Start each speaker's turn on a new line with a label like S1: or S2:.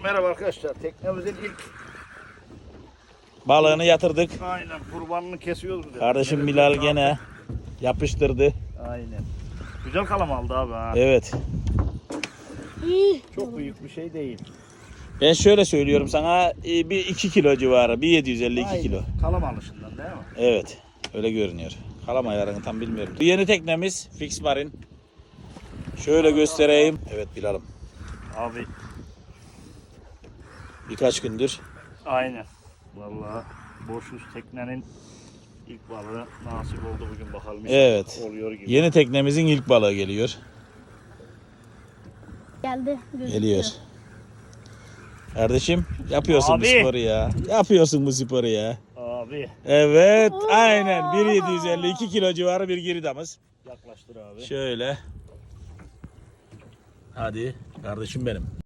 S1: Merhaba arkadaşlar. Teknemizin ilk
S2: Balığını yatırdık.
S1: aynen kurbanını kesiyoruz. Dedi.
S2: Kardeşim Bilal gene yapıştırdı.
S1: Aynen. Güzel kalam aldı abi ha.
S2: Evet.
S1: Çok büyük bir şey değil.
S2: Ben şöyle söylüyorum sana, bir 2 kilo civarı, bir 750 2 kilo.
S1: Kalam alışından değil mi?
S2: Evet, öyle görünüyor. Kalam ayarını tam bilmiyorum. Bu yeni teknemiz Fix Marine. Şöyle göstereyim. Evet Bilal'ım.
S1: Abi
S2: Birkaç gündür.
S1: aynen. Vallahi boşuz teknenin ilk balığı nasip oldu bugün bakalım.
S2: Evet.
S1: Oluyor gibi.
S2: Yeni teknemizin ilk balığı geliyor.
S3: Geldi. Gözüküyor.
S2: Geliyor. Kardeşim yapıyorsun
S1: Abi.
S2: bu sporu ya. Yapıyorsun bu sporu ya.
S1: Abi
S2: Evet, aynen 1.750 2 kilo civarı bir giridamız.
S1: yaklaştır abi.
S2: Şöyle. Hadi kardeşim benim.